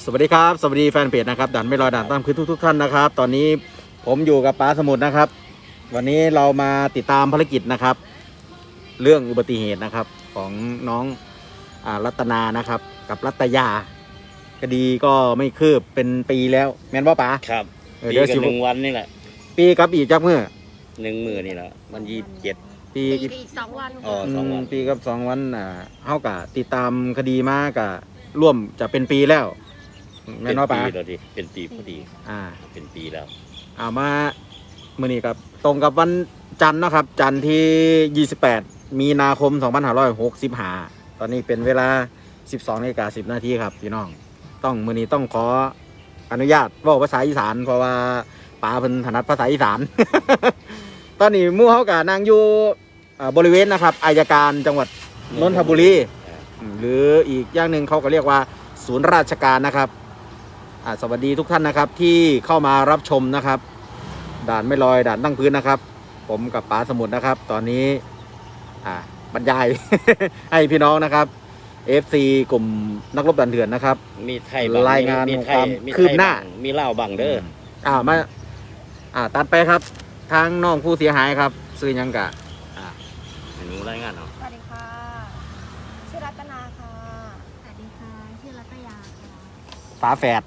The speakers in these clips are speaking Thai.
สวัสดีครับสวัสดีแฟนเพจนะครับด่านไม่ลอยด่านตามคือทุกท่านนะครับตอนนี้ผมอยู่กับป๋าสมุทรนะครับวันนี้เรามาติดตามภารกิจนะครับเรื่องอุบัติเหตุนะครับของน้องรัตนานะครับกับรัตยาคดีก็ไม่คืบเป็นปีแล้วแม่นว่าป๋าครับเดี๋ยวกับ1 วันนี่แหละปีกับอีกจักมือ 1 มื้อนี่แหละมัน27 ปีอีก2 วันอ๋อ2 วันปีกับ2 วันเฮากะติดตามคดีมากะร่วมจะเป็นปีแล้วแม่นว่าป๋าแล้วดิเป็นปีพอดีเป็นปีแล้วมามื้อนี้ครับตรงกับวันจันทร์นะครับจันทร์ที่28มีนาคม2565ตอนนี้เป็นเวลา 12:10 นาทีครับพี่น้องมื้อนี้ต้องขออนุญาตเว้าภาษาอีสานเพราะว่าป๋าเพิ่นถนัดภาษาอีสาน ตอนนี้หมู่เฮาก็นั่งอยู่บริเวณนะครับอัยการจังหวัดนนทบุรีหรืออีกอย่างหนึ่งเขาก็เรียกว่าศูนย์ราชการนะครับสวัสดีทุกท่านนะครับที่เข้ามารับชมนะครับด่านไม่ลอยด่านตั้งพื้นนะครับผมกับป๋าสมุทรนะครับตอนนี้บรรยาย ให้พี่น้องนะครับ FC กลุ่มนักรบด่านเถื่อนนะครับมีไทยรายงานความคืบหน้ามีเล่าบังเด้อมาตัดไปครับทางน้องผู้เสียหายครับซื้อยังกะหนูรายงานเนาะสวัสดีค่ะชื่อรัตนาค่ะสวัสดีค่ะชื่อรัตยาค่ะฝาแฝด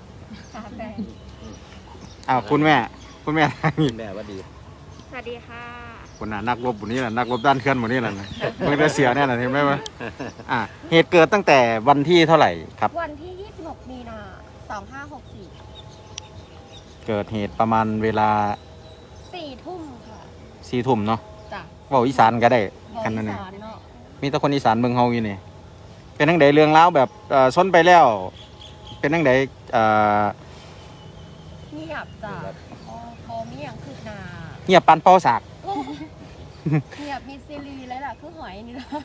คุณแม่แม่ว่าดีสวัสดีค่ะคนน่ะนักรบหมดนี้แหละนักรบด้านเคลื่อนหมดนี้แหละเมื่อเสียเนี่ยแหละเห็นไหมวะเหตุเกิดตั้งแต่วันที่เท่าไหร่ครับวันที่26 มีนา2564 เกิดเหตุประมาณเวลา 4 ทุ่มค่ะ 4 ทุ่มเนาะจ้ะเว้าอีสานก็ได้กันนั่นเองมีแต่คนอีสานเมืองเฮาอยู่นี่เป็นจังไดเรื่องราวแบบชนไปแล้วเป็นจังไดเงียบจ้ะพอมีอย่างคืบหน้าเงียบปันเป้าสากเงียบมีซีรีส์เลยล่ะคือหอยนี่ล่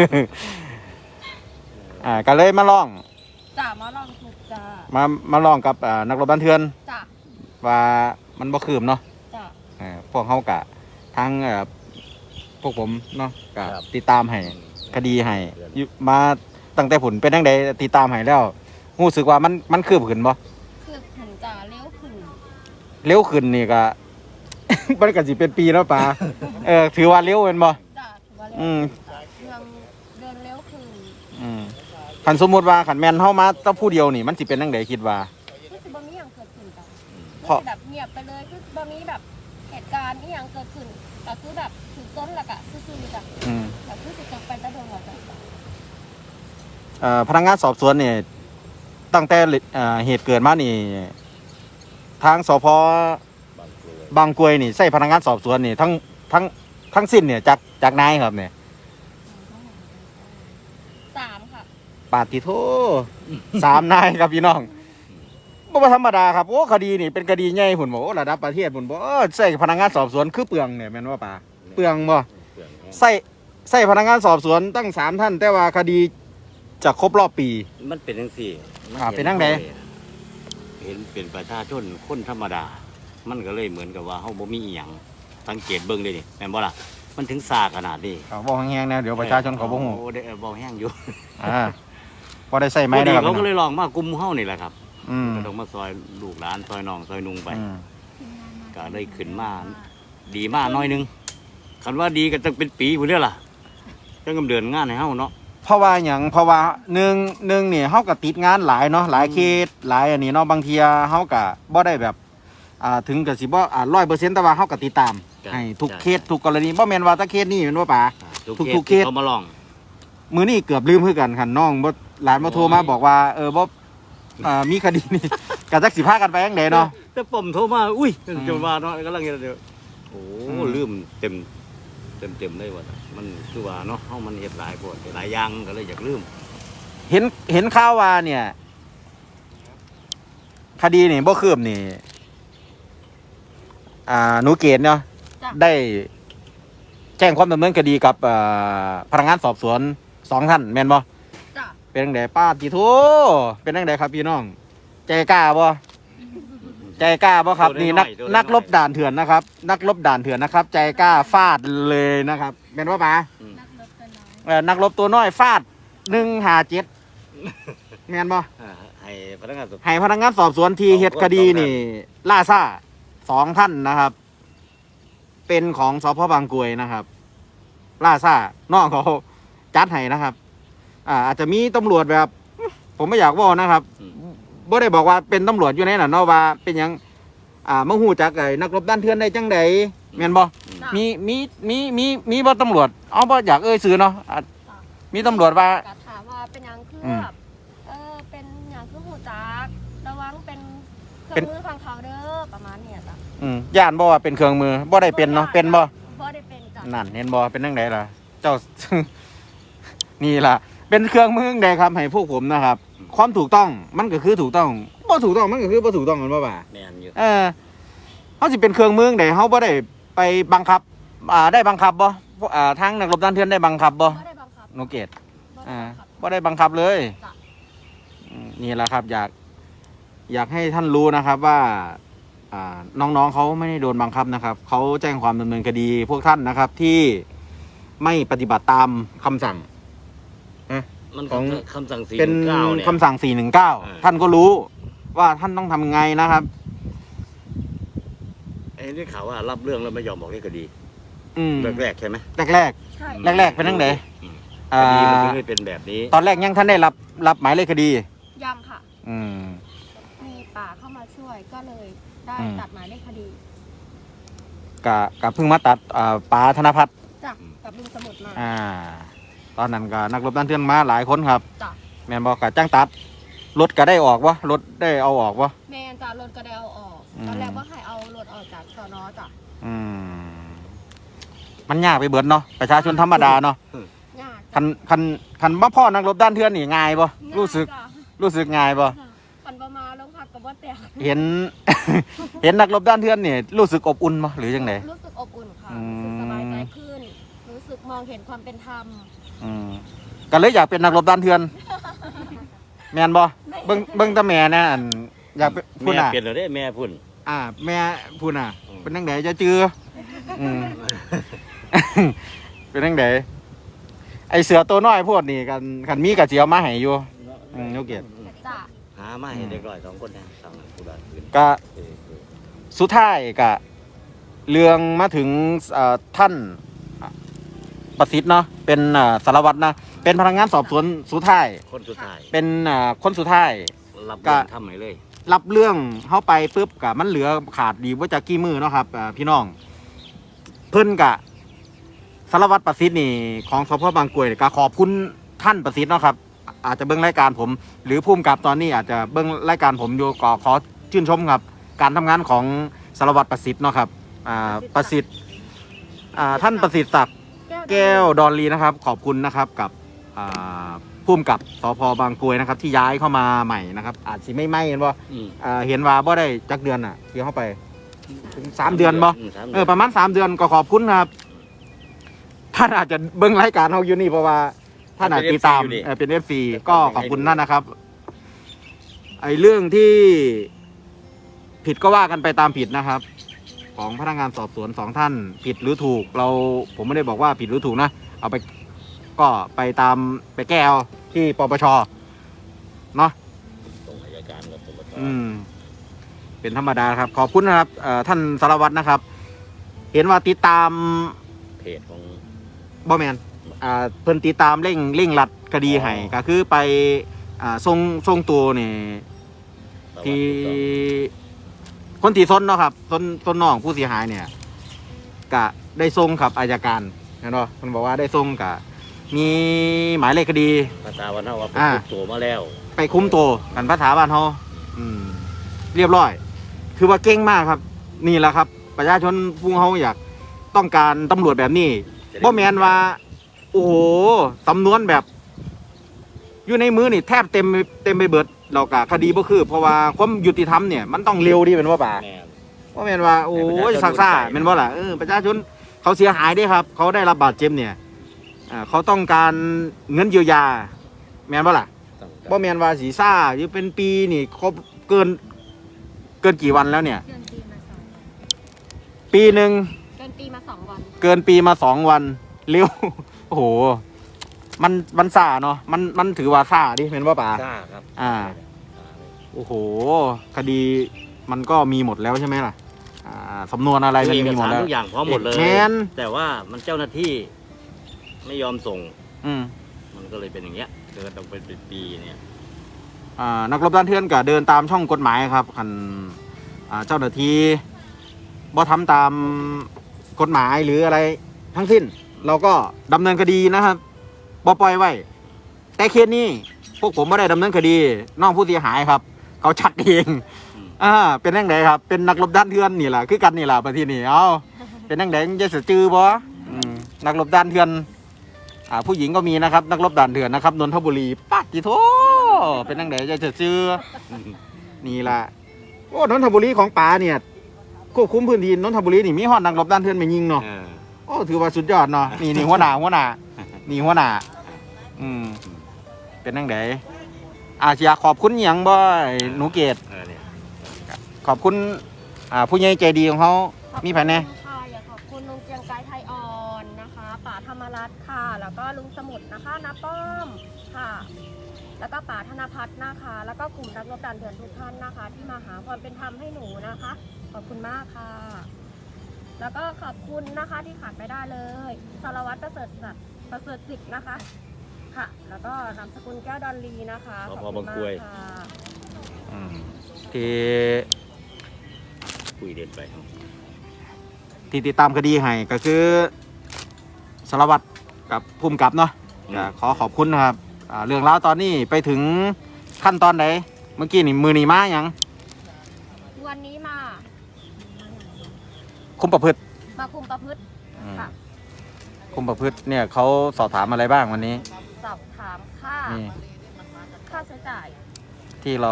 ะก็เลยมาลองจ้ะมาลองถูกจ้ะมาลองกับนักรบบ้านเทือนจ้ะว่ามันบ่คืบเนาะจ้ะพวกเฮากะทั้งพวกผมเนาะก็ติดตามให้คดีให้มาตั้งแต่ผลเป็นจังไดติดตามให้แล้วรู้สึกว่ามันคืบขึ้นบ่คืบขึ้นจ้ะเร็วขึ้นนี่ก็ มันก็สิเป็นปีแล้วป่าถือว่าเร็วเป็นบ่จ้ะถือว่าเร็วเรื่องเดินเร็วขึ้นคันสมมุติว่าคันแม่นเฮามาแต่ผู้เดียวนี่มันสิเป็นจังไดคิดว่าคือสิบ่มีหยังเกิดขึ้นจ้ะเพราะแบบเงียบไปเลยคือบ่มีแบบเหตุการณ์ที่ยังเกิดขึ้นก็คือแบบถือซ้นแล้วก็ซื่อๆจ้ะแบบคือสิจบไปแต่โดนแล้วจ้ะพนักงานสอบสวนนี่ตั้งแต่เหตุเกิดมานี่ทางสพบางกรวยนี่ใส่พนักงานสอบสวนนี่ทั้งสิ้นเนี่ยจากนายครับเนี่ย 3ค่ะปาติโท3 นายครับพี่น้องบ่ธรรมดาครับโอ้คดีนี่เป็นคดีใหญ่พุ่นบ่ระดับประเทศพุ่นบ่ใส่พนักงานสอบสวนคือเปลืองเนี่ยแม่นว่าป่าเปลืองบ่ใส่พนักงานสอบสวนตั้ง3 ท่านแต่ว่าคดีจะครบรอบปีมันเป็นจังซี่เป็นจังได๋เห็นเป็นประชาชนคนธรรมดามันก็เลยเหมือนกับว่าเฮาบ่มีอีหยังสังเกตเบิ่งได้นี่แม่นบ่ล่ะมันถึงซาขนาดนี้บ่แห้งๆนะเดี๋ยวประชาชนเขาบ่ฮู้บ่แห้งอยู่บ่ได้ใส่ไม้นะครับเขาก็เลยลองมากลุ่มเฮานี่แหละครับก็ต้องมาซอยลูกหลานซอยน้องซอยนุงไปก็เลยขึ้นมาดีมากน้อยนึงคันว่าดีก็ต้องเป็นปีพุ่นเด้อล่ะจังกำเดินงานให้เฮาเนาะเพราะว่าอย่างเพราะว่าหนึ่งนี่เฮาก็ติดงานหลายเนาะหลายเคสหลายอันนี้เนาะบางทีเฮาก็บ่ได้แบบถึงกับสิบ่100%แต่ว่าเฮาก็ติดตามให้ทุกเคสทุกกรณีบ่แม่นว่าแต่เคสนี้แม่นว่าป่าทุกเคสเขามาลองมื้อนี้เกือบลืมคือกันคันน้องบ่หลานมาโทรมาบอกว่าบ่มีคดีนี่ก็จักสิพากันไปจังได๋เนาะแต่ผมโทรมาอุ้ยจะว่าเนาะกำลังเดี๋ยวโอ้ลืมเต็มเลยว่ามันคือว่าเนาะเฮามันเฮ็ดหลายโพดหลายอย่างก็เลยอยากลืมเห็นข่าวว่าเนี่ยคดีนี่บ่คืบนี่หนูเกศเนาะได้แจ้งความดำเนินคดีกับพนักงานสอบสวน2 ท่านแม่นบ่เป็นจังได๋ป้าติโทเป็นจังได๋ครับพี่น้องใจกล้าบ่ครับนี่นักรบด่านเถื่อนนะครับนักรบด่านเถื่อนนะครับใจกล้าฟาดเลยนะครับแม่นบ่ป๋านักรบตัวน้อยฟาด157 แม่นบ่ให้พนักงานสอบให้พนักงานสอบสวนที่เฮ็ดคดีนี่ ล่าซ่า2ท่านนะครับ เป็นของสพบางกรวยนะครับ ล่าซ่าน้องเขาจัดให้นะครับ อาจจะมีตำรวจแบบ ผมไม่อยากว่านะครับบ่ได้บอกว่าเป็นตำรวจอยู่ในนั้นเนาะว่าเป็นหยังมาฮู้จักไอ้นักรบด้านเถื่อนได้จังไดแม่นบ่มีบ่ตำรวจเอาบ่อยากเอ่ยชื่อเนาะมีตำรวจว่าก็ถามว่าเป็นหยังคืออืมแบบเป็นหยังคือหูจักระวังเป็นเครื่องมือฟังเขาเด้อประมาณเนี้ยจ้ะย่านบ่ว่าเป็นเครื่องมือบ่ได้เป็นเนาะเป็นบ่บ่ได้เป็นจ้ะนั่นเห็นบ่เป็นจังไดล่ะ เจ้า นี่ล่ะ เป็นเครื่องมือใดครับให้พวกผมนะครับ ความถูกต้องมันก็คือถูกต้องบ่ถูกต้องมันก็คือบ่ถูกต้องกันบ่บ่าแม่นอยู่เฮาสิเป็นเครื่องมือใดเฮาบ่ได้ไปบังคับได้บังคับบ่ทางนักรบด้านเถื่อนได้บังคับบ่บ่ได้บังคับโนเกตบ่ได้บังคับบ่ได้บังคับเลยจ้ะนี่แหละครับ อยากให้ท่านรู้นะครับว่าน้องๆเขาไม่ได้โดนบังคับนะครับเขาแจ้งความดำเนินคดีพวกท่านนะครับ ที่ไม่ปฏิบัติตามคำสั่งมันของคำสั่ง419 เป็นเนี่ยคำสั่ง 419 ท่านก็รู้ว่าท่านต้องทำไงนะครับไอ้นี่ข่าวว่ารับเรื่องแล้วไม่ยอมบอกเลขคดีอืมแรกๆใช่ไหมแรกใช่แรกๆเป็นจังไดอืมอ่คดีมันถึงาได้เป็นแบบนี้ตอนแรกยังท่านได้รับหมายเลขคดียังค่ะอืมมีป่าเข้ามาช่วยก็เลยได้อืมตัดหมายเลขคดีกะเพิ่งมาตัดป๋าธนพัฒน์จ้ะกับลุงสมุดมาตอนนั้นก็นักรบด้านเถื่อนมาหลายคนครับจ้ะแม่นบอกกะจ้างตัดรถก็ได้ออกวะรถได้เอาออกวะแมนจ้ะรถก็ได้เอาออกอืมตอนแรกว่าให้เอารถออกจากสนจ้ะอืมมันยากไปเบิดเนาะประชาชนธรรมดาเนาะยากคันว่าพ่อนักรบด้านเถื่อนนี่ง่ายบ่รู้สึกง่ายบ่ปันประมาลงพักกับว่าแตกเห็น เห็นนักรบด้านเถื่อนนี่รู้สึกอบอุ่นบ่หรือจังไดรู้สึกอบอุ่นค่ะอืมรู้สึกสบายใจขึ้น รู้สึกมองเห็นความเป็นธรรมอืมก็เลยอยากเป็นนักรบด้านเถื่อนแม่นบ่เบิ่งแตาแม่นะอันอยากเป็นพุ่นแม่น่ะเปลี่ยนแล้วได้แม่พุ่นแม่พุ่นน่ะอืมเป็นจังไดจะจื้ออืม เป็นจังไดไอเสือตัวน้อยพวกนี่กันมีกะสิเอามาให้อยู่โยเกียรติจ้ะหามาให้เด็กน้อย2คนนะสั่งผู้ใดอื่นก็เออสุดท้ายก็เรื่องมาถึงท่านประสิทธิ์เนาะเป็นสารวัตรนะเป็นพนักงานสอบสวนสุดท้ายคนสุดท้ายเป็นคนสุดท้ายรับเรื่องทำให้เลยรับเรื่องเข้าไปปุ๊บกะมันเหลือขาดดีว่าจะกี่มือเนาะครับพี่น้อง เพิ่นกะสารวัตรประสิทธิ์นี่ของสพบางกรวยนี่ก็ขอบคุณท่านประสิทธิ์เนาะครับ อาจจะเบิ้งรายการผม หรือผู้กำกับตอนนี้อาจจะเบิ้งรายการผมอยู่ก็ขอชื่นชมครับ การทำงานของสารวัตรประสิทธิ์เนาะครับประสิทธิ์ท่านประสิทธิ์ศักดิ์แก้วดอนลีนะครับ ขอบคุณนะครับกับผู้กำกับสพบางกรวยนะครับ ที่ย้ายเข้ามาใหม่นะครับ อาจสิไม่เห็นว่าอืมเห็นว่าบ่ได้จักเดือนที่เข้าไปถึง3 เดือนบ่ 3 เดือนประมาณ3 เดือนก็ขอบคุณครับท่านอาจจะเบิ่งรายการเราอยู่นี่เพราะว่าท่านอาจติดตามเป็น FC ก็ขอบคุณนั่นนะครับ ไอ้เรื่องที่ผิดก็ว่ากันไปตามผิดนะครับ ของพนักงานสอบสวน2 ท่านผิดหรือถูกผมไม่ได้บอกว่าผิดหรือถูกนะเอาไปก็ไปแก้เอาที่ปปชเนาะส่งอัยการกับปปชเป็นธรรมดาครับ ขอบคุณนะครับท่านสารวัตรนะครับ เห็นว่าติดตามเพจของบอแมนเพิ่นติดตามเร่งรัดคดีให้ก็คือไปส่งตัวนี่ที่คนที่ซ้นเนาะครับซ้นน้องผู้เสียหายเนี่ยก็ได้ส่งครับอัยการเห็นป่ะมันบอกว่าได้ส่งกับมีหมายเลขคดีภาษาวันเฮาว่าอ่าเป็นตัวมาแล้วไปคุ้มตัวกันภาษาบ้านเขาเรียบร้อย คือว่าเก่งมากครับ นี่แหละครับ ประชาชนพุ่งเขาอยากต้องการตำรวจแบบนี้บ่แมนว่า โอ้โหสำนวนแบบ อยู่ในมือนี่แทบเต็มไปเบิดเรากะคดีบ่คือ เพราะว่าความยุติธรรมเนี่ยมันต้องเร็วดีเป็นว่าป่าแม่นบ่แมนว่าโอ้ยซักซ่าเป็นว่าล่ะประชาชนเขาเสียหายด้วยครับ เขาได้รับบาดเจ็บเนี่ยเขาต้องการเงินเยียวยา แมนว่าล่ะต้องบ่แมนว่าสีซ่าอยู่เป็นปีนี่ครบเกินกี่วันแล้วเนี่ยเกินปีมา2 ปีหนึ่งเกินปีมา2 วันเกินปีมา2 วันเร็ว โอ้โหมันซ่าเนาะมันถือว่าซ่าดิเป็นว่าป่าซ่าครับอ่า โอ้โหคดีมันก็มีหมดแล้วใช่ไหมล่ะสำนวนอะไรมันเอกมีหมดสารแล้วทุกอย่างพร้อมหมดเลยแมนแต่ว่ามันเจ้าหน้าที่ไม่ยอมส่งอืมมันก็เลยเป็นอย่างเงี้ยเกิดต้องเป็นปีเนี่ยนักรบด้านเทือนก็เดินตามช่องกฎหมายครับคันเจ้าหน้าที่บ่ทำตามกฎหมายหรืออะไรทั้งสิ้น เราก็ดำเนินคดีนะครับบ่ปล่อยไว้ แต่เคสนี้พวกผมไม่ได้ดำเนินคดีน้องผู้เสียหายครับ เขาชักเองเป็นยังไงครับ เป็นนักรบด้านเทือนนี่แหละคือกันนี่แหละประเทศนี้เอาเป็นยังไงจะเสียจือบ่นักรบด้านเทือนผู้หญิงก็มีนะครับ นักรบด่านเถื่อนนะครับนนทบุรีปัดจิโถเป็นยังไงจะเสียจือนี่แหละโอ้นนทบุรีของป๋าเนี่ยควบคุมพื้นที่นนทบุรีนี่มีฮอดนักรบด้านเถื่อนไม่ยิงเนาะโอ้ถือว่าสุดยอดเนาะนี่หัวหน้านี่หัวหน้าเป็นยังไงอยากขอบคุณหยังบ่หนูเกดขอบคุณผู้ใหญ่ใจดีของเขามีภายในค่ะอยากขอบคุณลุงเจียงไกรไทยอ่อนนะคะป๋าธรรมรัตน์ค่ะ แล้วก็ลุงสมุทรนะคะน้าป้อมค่ะ แล้วก็ป๋าธนพัฒน์นะคะ แล้วก็กลุ่มนักรบด่านเถื่อนทุกท่านนะคะ ที่มาหาความเป็นธรรมให้หนูนะคะ ขอบคุณมากค่ะ แล้วก็ขอบคุณนะคะที่ขาดไม่ได้เลยสารวัตรประเสริฐศิษย์นะคะค่ะ แล้วก็นามสกุลแก้วดอนลีนะคะสพบางกรวยค่ะที่คุยเด็ดไปติดตามคดีให้ก็คือสารวัตรกับภูมิกับเนาะก็ขอขอบคุณนะครับเรื่องราวตอนนี้ไปถึงขั้นตอนไหนเมื่อกี้นี่มือนีมาอย่างวันนี้มาคุมประพฤติมาคุมประพฤติค่ะคุมประพฤติเนี่ยเขาสอบถามอะไรบ้างวันนี้สอบถามนี่ค่าใช้จ่ายที่เรา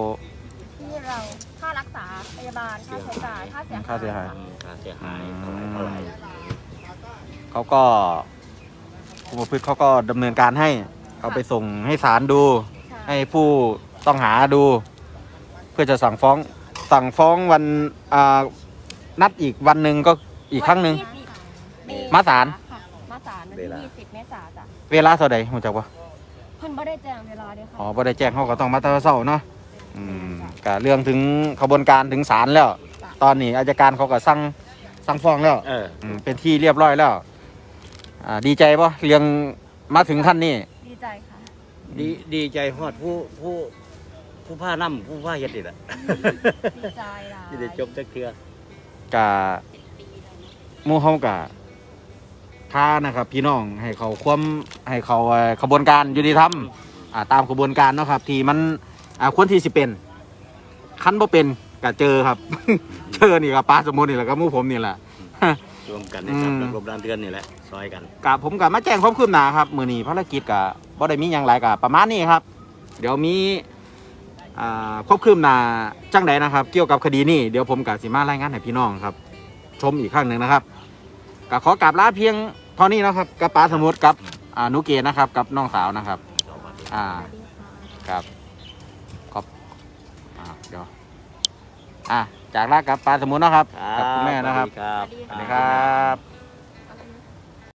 ค่ารักษาพยาบาลค่าใช้จ่ายค่าเสียหายค่าเสียหายค่าเสียหายเท่าไหร่เขาก็คุมประพฤติเขาก็ดำเนินการให้เอาไปส่งให้ศาลดูใช่ให้ผู้ต้องหาดู เพื่อจะสั่งฟ้องวันนัดอีกวันหนึ่งก็อีกครั้งหนึ่งวันที่20 มาศาลค่ะมาศาลวันที่20 เมษายนจ้ะเวลาเท่าใดรู้จักปะเพิ่นบ่ได้แจ้งเวลาเด้อค่ะอ๋อบ่ได้แจ้งเขาก็ต้องมาตราเศร้าเนาะก็เรื่องถึงขบวนการถึงศาลแล้ว ตอนนี้อัยการเขาก็สั่งฟ้องแล้วเป็นที่เรียบร้อยแล้วดีใจปะเรื่องมาถึงขั้นนี้ดีใจค่ะดีใจฮอดผู้ผ้าน้ำผู้ผ้าเฮ็ดนี่แหละดีใจหลายที่ได้จบจักเทื่อกะหมู่เฮากะท้านะครับ พี่น้องให้เขาขบวนการยุติธรรมตามขบวนการเนาะครับ ที่มันควรที่สิเป็นคันบ่เป็นก็เจอครับ เจอนี่กับป้าสมมุตินี่แหละกับหมู่ผมนี่แหละรวมกันนะครับนักรบด้านเทือนนี่แหละซอยกันผมกับมาแจ้งความคืบหน้าครับมื้อนี้ภารกิจกับบ่ได้มีหยังหลายกับประมาณนี้ครับ เดี๋ยวมีความคืบหน้าจังใดนะครับ เกี่ยวกับคดีนี้เดี๋ยวผมกับสิมารายงานให้พี่น้องครับ ชมอีกครั้งหนึ่งนะครับก็ขอกราบลาเพียงเท่านี้นะครับกับป้าสมุทรกับหนุเกศนะครับกับน้องสาวนะครับครับเดี๋ยวจากลากับป้าสมุทรนะครับกับคุณแม่นะครับครับสวัสดีครับ